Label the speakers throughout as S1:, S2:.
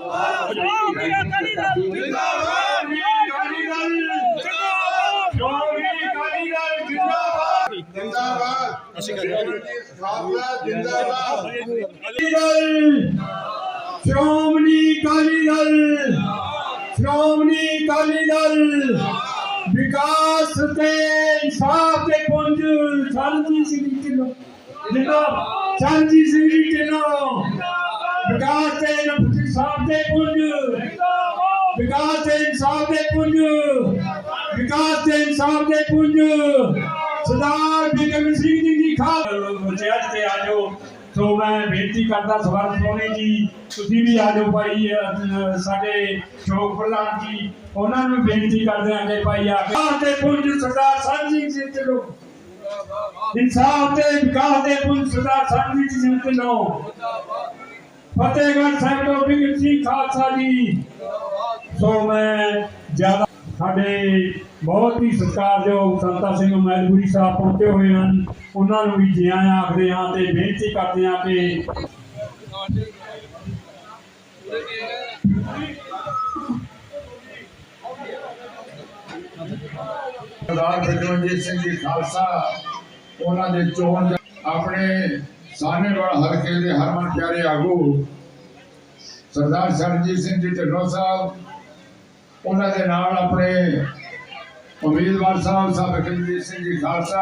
S1: ਸ਼੍ਰੋਮਣੀ ਅਕਾਲੀ ਦਲ ਜਿੰਦਾਬਾਦ। ਸ਼੍ਰੋਮਣੀ ਅਕਾਲੀ ਦਲ ਜਿੰਦਾਬਾਦ।
S2: ਜਿੰਦਾਬਾਦ। ਜਿੰਦਾਬਾਦ।
S1: ਸ਼੍ਰੋਮਣੀ ਅਕਾਲੀ ਦਲ, ਸ਼੍ਰੋਮਣੀ ਅਕਾਲੀ ਦਲ। विकास ते इंसाफ के पुंज सरजीत सिंह ढिल्लों जिंदाबाद। सरजीत सिंह ढिल्लों विकास ते इंसाफ के पुंज, विकास ते इंसाफ के पुंज, विकास ते इंसाफ के पुंज। सरदार बिक्रम सिंह जी खाल ते आजो। तो मैं बेनती करता सवाल सोने जी तुसीं भी आ जाओ भाई, साडे शोक प्रधान जी उन्होंने बेनती करते हैं कि भाई आके पुंज सरदार सरजीत सिंह ढिल्लों, इंसाफ ते विकास दे पुंज सरदार सरजीत सिंह ढिल्लों। फतेहगढ़ साहिब तो बिक्रम सिंह खालसा जी। सो मैं ज्यादा साडे बहुत ही सत्कारयोग संता सिंह मैलपुरी साहब पहुंचे हुए हैं, उन्होंने भी जी आया आखते हाँ तो बेनती करते हैं कि
S2: सरदार बिक्रमजीत सिंह जी खालसा उन्होंने चोन अपने सानेवाल हल्के के हरमन प्यारे आगू सरदार सरजीत सिंह जी ढिल्लों साहब, उन्होंने नाल अपने उम्मीदवार साहब साहब बिक्रमजीत सिंह जी खालसा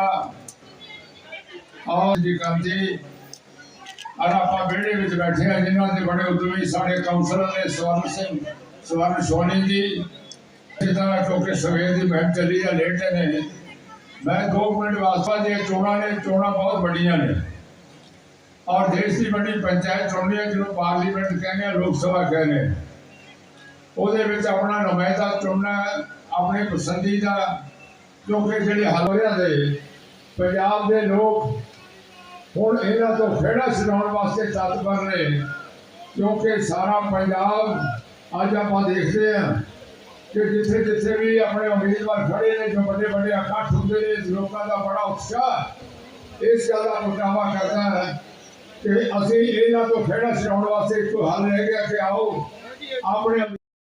S2: और जी कांती और आप बेड़े में बैठे हैं जिन्होंने बड़े उद्यमी साढ़े काउंसलर ने स्वर्ण सोनी जी क्योंकि सवेर की महम चली है लेट ने। मैं 2 मिनट वास्ता जो चोणा बहुत बड़िया ने और देश की बड़ी पंचायत चुननी है जिन्होंने पार्लीमेंट कहने लोक सभा कहने वो अपना नुमाइंदा चुनना अपने पसंदीदा क्योंकि जो हलवरिया के पंजाब के लोग हुण इन्हां तो खेड़ा छुड़ाउण वास्ते तत्पर ने क्योंकि सारा पंजाब अज आप देखते हैं कि जिथे जिथे भी अपने उम्मीदवार खड़े ने जो बड़े बड़े इकट्ठ होंगे लोगों का बड़ा उत्साह इस गल का मुकाबला करता है कि असीं इन्हां तो खेड़ा छुड़ाउण वास्ते एक हल रह गया कि आओ अपने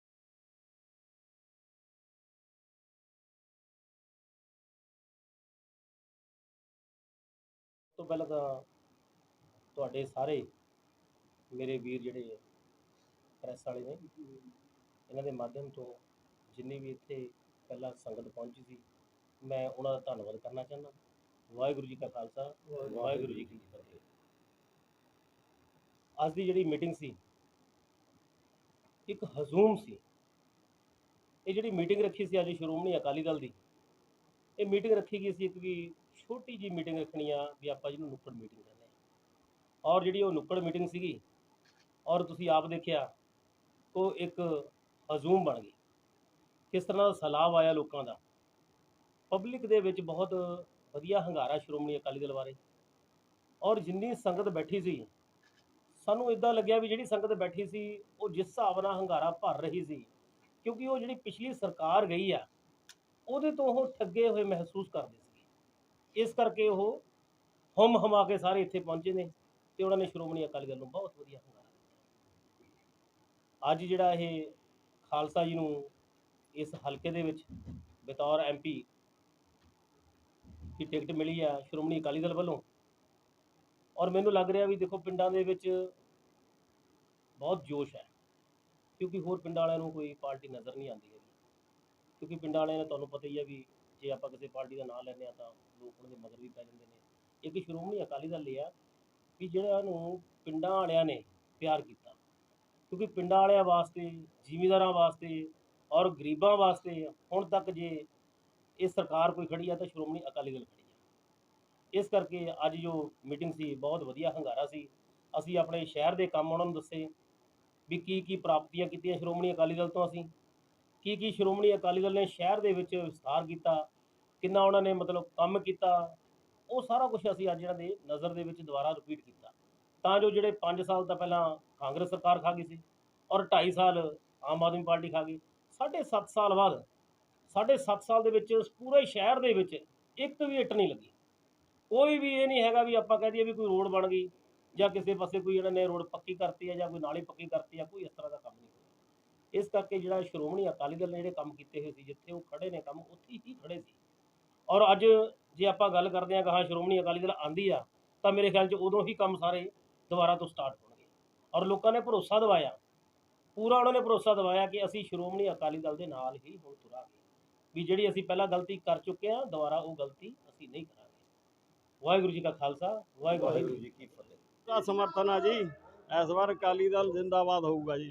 S3: तो पहले तो तुहाडे सारे मेरे वीर जिहड़े प्रैस वाले ने इन्हां दे माध्यम तो जिन्नी भी इत्थे पहला संगत पहुंची सी मैं उन्हां दा धन्नवाद करना चाहना। वाहिगुरू जी का खालसा वाहिगुरू जी की फतेह। अज दी जिहड़ी मीटिंग सी एक हजूम सी। ये जिहड़ी मीटिंग रखी सी अज श्रोमणी अकाली दल दी, ये मीटिंग रखी गई सी एक भी छोटी जी मीटिंग रखनी आ भी आप जिन्होंने नुक्कड़ मीटिंग कहते हैं और जी नुक्कड़ मीटिंग सी और तुसी आप देखिया तो एक हजूम बन गई। किस तरह सैलाब आया लोगों का पब्लिक दे विच बहुत वधिया हंगारा श्रोमणी अकाली दल बारे और जिन्नी संगत बैठी सी सानू इदां लग्या भी जिहड़ी संगत बैठी सी वो जिस हिसाब नाल हंगारा भर रही सी क्योंकि वो जिहड़ी पिछली सरकार गई आ ਉਹਦੇ तो वो ठगे हुए महसूस करते थे। इस करके वो हुम हमा के सारे इत्थे पहुंचे ने तो उन्होंने श्रोमणी अकाली दल नूं बहुत वधिया हंगारा दिता। अज जिहड़ा ये खालसा जी नूं इस हलके दे विच बतौर MP की टिकट मिली है श्रोमणी अकाली दल वालों और मैनूं लग रहा भी देखो पिंडां दे विच बहुत जोश है क्योंकि होर पिंडां वालिआं नूं कोई पार्टी नज़र नहीं आती है क्योंकि पिंडां वालिआं ने तुहानूं पता ही है भी जे आपां किसी पार्टी का नाम लैंदे तो लोग उन्हां दे मगर भी पै जांदे ने। एक श्रोमणी अकाली दल लिया भी जिहड़िआं नूं पिंडां वालिआं ने प्यार किया क्योंकि पिंडां वालिआं वास्ते जिमीदारां वास्ते और गरीबां वास्ते हुण तक जे ये सरकार कोई खड़ी है तो श्रोमणी अकाली दल खड़ी है। इस करके अज जो मीटिंग सी बहुत वधिया हंगारा सी। असीं अपने शहर के काम उन्हां नूं दस्से भी की प्राप्तियां कीतियां श्रोमणी अकाली दल तो असीं की श्रोमणी अकाली दल ने शहर के विस्तार किया किन्ना उन्होंने मतलब काम किया वो सारा कुछ असीं अज इन्हां दे नज़र दे विच दुबारा रिपीट किया तां जो जिहड़े 5 साल तो पहला कांग्रेस सरकार खा गई सी और 2.5 साल आम आदमी पार्टी खा गई 7.5 साल बाद 7.5 साल दे विच पूरे शहर दे विच एक भी इट नहीं लगी। कोई भी ये नहीं हैगा भी आपां कह दईए भी कोई रोड बन गई जां किसी पासे कोई इन्हां ने रोड पक्की करती है जां कोई नाली पक्की करती है, कोई इस तरह का काम नहीं। ਇਸ ਕਰਕੇ ਜਿਹੜਾ ਸ਼੍ਰੋਮਣੀ ਅਕਾਲੀ ਦਲ ਨੇ ਜਿਹੜੇ ਕੰਮ ਕੀਤੇ ਹੋਏ ਸੀ, ਜਿੱਥੇ ਉਹ ਖੜੇ ਨੇ ਕੰਮ ਉੱਥੇ ਹੀ ਖੜੇ ਸੀ। ਔਰ ਅੱਜ ਜੇ ਆਪਾਂ ਗੱਲ ਕਰਦੇ ਹਾਂ ਕਹਾ ਸ਼੍ਰੋਮਣੀ ਅਕਾਲੀ ਦਲ ਆਂਦੀ ਆ, ਤਾਂ ਮੇਰੇ ਖਿਆਲ 'ਚ ਉਦੋਂ ਹੀ ਕੰਮ ਸਾਰੇ ਦੁਬਾਰਾ ਤੋਂ ਸਟਾਰਟ ਹੋਣਗੇ। ਔਰ ਲੋਕਾਂ ਨੇ ਭਰੋਸਾ ਦਿਵਾਇਆ, ਪੂਰਾ ਉਹਨਾਂ ਨੇ ਭਰੋਸਾ ਦਿਵਾਇਆ ਕਿ ਅਸੀਂ ਸ਼੍ਰੋਮਣੀ ਅਕਾਲੀ ਦਲ ਦੇ ਨਾਲ ਹੀ ਹੁਣ ਤੁਰਾਂਗੇ, ਵੀ ਜਿਹੜੀ ਅਸੀਂ ਪਹਿਲਾਂ ਗਲਤੀ ਕਰ ਚੁੱਕੇ ਹਾਂ ਦੁਬਾਰਾ ਉਹ ਗਲਤੀ ਅਸੀਂ ਨਹੀਂ ਕਰਾਂਗੇ। ਵਾਹਿਗੁਰੂ ਜੀ ਕਾ ਖਾਲਸਾ, ਵਾਹਿਗੁਰੂ ਜੀ ਕੀ ਫਤਿਹ।
S4: ਦਾ ਸਮਰਥਨ ਆ ਜੀ। ਇਸ ਵਾਰ ਅਕਾਲੀ ਦਲ ਜ਼ਿੰਦਾਬਾਦ ਹੋਊਗਾ ਜੀ,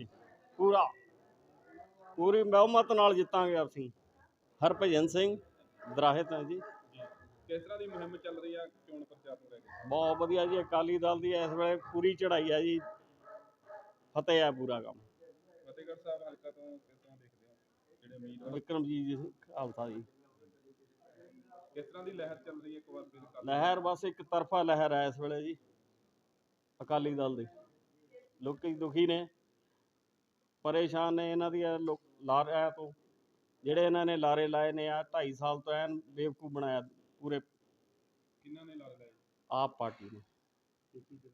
S4: ਪੂਰੀ ਬਹੁਮਤ ਨਾਲ ਜਿੱਤਾਂਗੇ ਅਸੀਂ। ਹਰਭਜਨ ਸਿੰਘ ਦਰਾਹੇ ਤੋਂ ਜੀ।
S5: ਕਿਸ ਤਰ੍ਹਾਂ ਦੀ ਮੁਹਿੰਮ ਚੱਲ ਰਹੀ ਆ ਚੋਣ ਪ੍ਰਚਾਰ ਨੂੰ ਲੈ ਕੇ?
S4: ਬਹੁਤ ਵਧੀਆ ਜੀ, ਅਕਾਲੀ ਦਲ ਦੀ ਇਸ ਵੇਲੇ ਪੂਰੀ ਚੜ੍ਹਾਈ ਆ ਜੀ, ਫਤਿਹ ਆ ਪੂਰਾ ਕੰਮ।
S5: ਫਤਿਹਗੜ੍ਹ ਸਾਹਿਬ ਹਲਕਾ ਤੋਂ ਕਿਸ ਤਰ੍ਹਾਂ ਦੇਖਦੇ ਹੋ ਜਿਹੜੇ ਉਮੀਦਵਾਰ?
S4: ਵਿਕਰਮਜੀਤ ਜੀ ਖਾਲਸਾ ਜੀ।
S5: ਕਿਸ ਤਰ੍ਹਾਂ ਦੀ ਲਹਿਰ ਚੱਲ ਰਹੀ ਹੈ ਇੱਕ ਵਾਰ ਫਿਰ?
S4: ਲਹਿਰ ਬਸ ਇੱਕ ਤਰਫਾ ਲਹਿਰ ਹੈ ਇਸ ਵੇਲੇ ਜੀ ਅਕਾਲੀ ਦਲ ਦੀ। ਲੋਕੀ ਦੁਖੀ ਨੇ, ਪਰੇਸ਼ਾਨ ਨੇ ਇਹਨਾਂ ਦੀਆਂ ਲਾਰਿਆਂ ਤੋਂ, ਜਿਹੜੇ ਇਹਨਾਂ ਨੇ ਲਾਰੇ ਲਾਏ ਨੇ ਆ 2.5 ਸਾਲ ਤੋਂ ਐਨ ਬੇਵਕੂਫ ਬਣਾਇਆ ਪੂਰੇ
S5: ਕਿਹਨਾਂ ਨੇ ਲਾ ਲਿਆ?
S4: ਆਪ ਪਾਰਟੀ ਨੇ।